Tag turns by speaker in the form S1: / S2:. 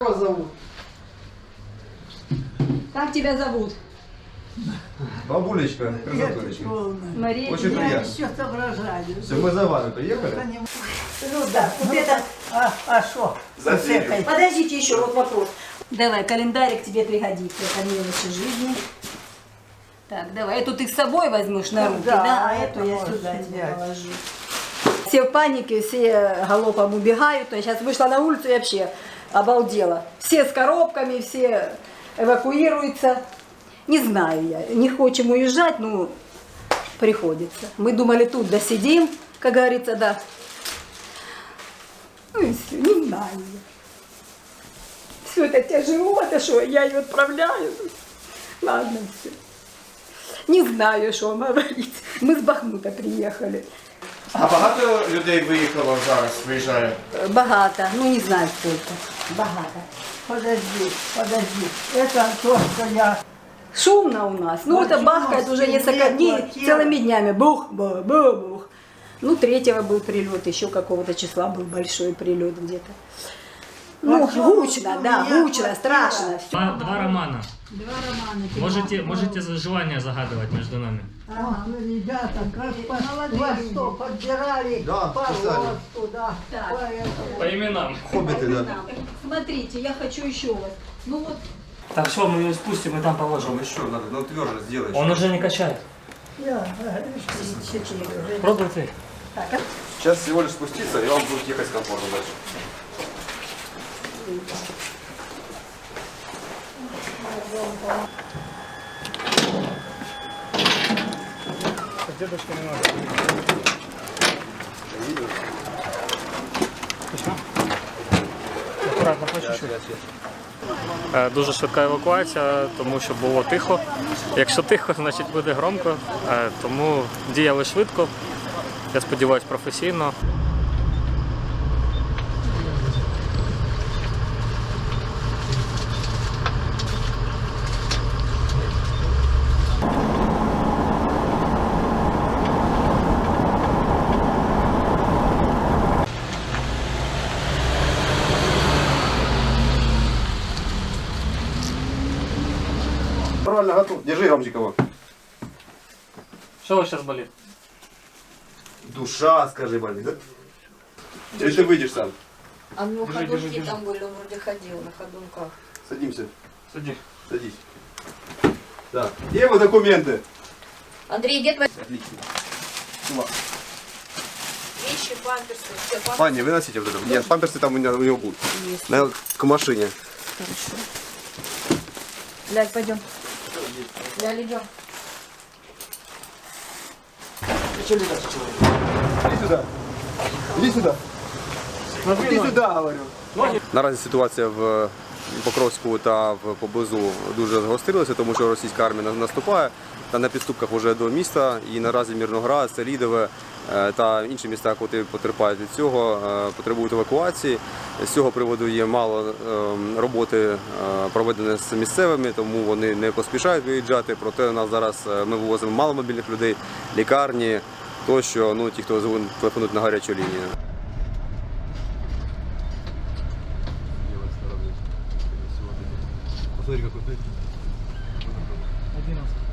S1: Как зовут?
S2: Как тебя зовут?
S3: Бабулечка, красотулечка.
S2: Мария.
S3: Очень
S1: Я
S3: приятно.
S1: еще соображаю.
S3: Все, мы за вами приехали.
S2: Ну да, вот это...
S1: А что?
S3: За дверью.
S2: Подождите еще, вот вопрос. Давай, календарик тебе пригодится, это мелочи жизни. Так, давай, эту ты с собой возьмешь на руки, да, а эту я сюда тебе положу. Все в панике, все галопом убегают. Я сейчас вышла на улицу и вообще обалдела. Все с коробками, все эвакуируются. Не знаю я, не хочем уезжать, но приходится. Мы думали, тут досидим, как говорится, да. Ну и все, не знаю я. Все это тяжело, это что, я ее отправляю. Ладно, все. Не знаю, що вам говорити. Ми з Бахмута приїхали.
S4: А багато людей виїхало зараз, виїжджає?
S2: Багато, ну не знаю сколько. Багато.
S1: Подожди. Это то, что я...
S2: Шумно у нас. Ну это бахкает уже несколько дней, целыми днями. Бух, бух, бух, бух. Ну 3-го был прилет, еще какого-то числа был большой прилет где-то. Ну, гучно, да, гучно, страшно.
S5: Два романа.
S2: Два романа.
S5: Можете желание загадывать между нами.
S1: Ах, вы, ребята, как вас что, подбирали
S3: Да,
S1: по
S3: писали.
S1: росту, да.
S2: Так.
S1: Поэтому-
S5: По именам.
S3: Хоббиты, да.
S2: Смотрите, я хочу еще вас. Ну вот.
S5: Так, все, мы ее спустим и там положим.
S3: Ну еще надо, ну тверже сделаешь.
S5: Он уже не качает. Пробуй ты.
S3: Сейчас всего лишь спуститься, и вам будет ехать комфортно дальше.
S5: Дедушка не надо. Аккуратно, по чуть-чуть. Дуже швидка евакуація, тому що було тихо. Якщо тихо, значить буде громко. Тому діяли швидко. Я сподіваюся, професійно.
S3: Правильно, готов. Держи, Ромчик, его.
S5: Що у вас зараз болить?
S3: Душа, скажи, болит, да? Или ты выйдешь сам?
S6: А ну
S5: Держи,
S6: ходунки
S5: держи, держи.
S6: там были, он вроде ходил на ходунках.
S3: Садимся.
S5: Сиди.
S3: Садись. Да. Где его документы?
S6: Андрей, где твои
S3: Отлично.
S6: вещи, памперсы? Все, памперсы.
S3: Паня, выносите вот это. Нет, памперсы там у него будут. К машине.
S6: Ляль, пойдем. Ляль, идем.
S3: Иди сюда. Иди сюда. Иди сюда, говорю. Наразі ситуація в Покровську та поблизу дуже загострилася, тому що російська армія наступає та на підступках вже до міста. І наразі Мирноград, Селідове та інші міста, які потерпають від цього, потребують евакуації. З цього приводу є мало роботи проведені з місцевими, тому вони не поспішають виїжджати. Проте у нас зараз ми вивозимо маломобільних людей, лікарні тощо, ну ті, хто телефонують на гарячу лінію. Посмотри, какой плит.
S5: 11.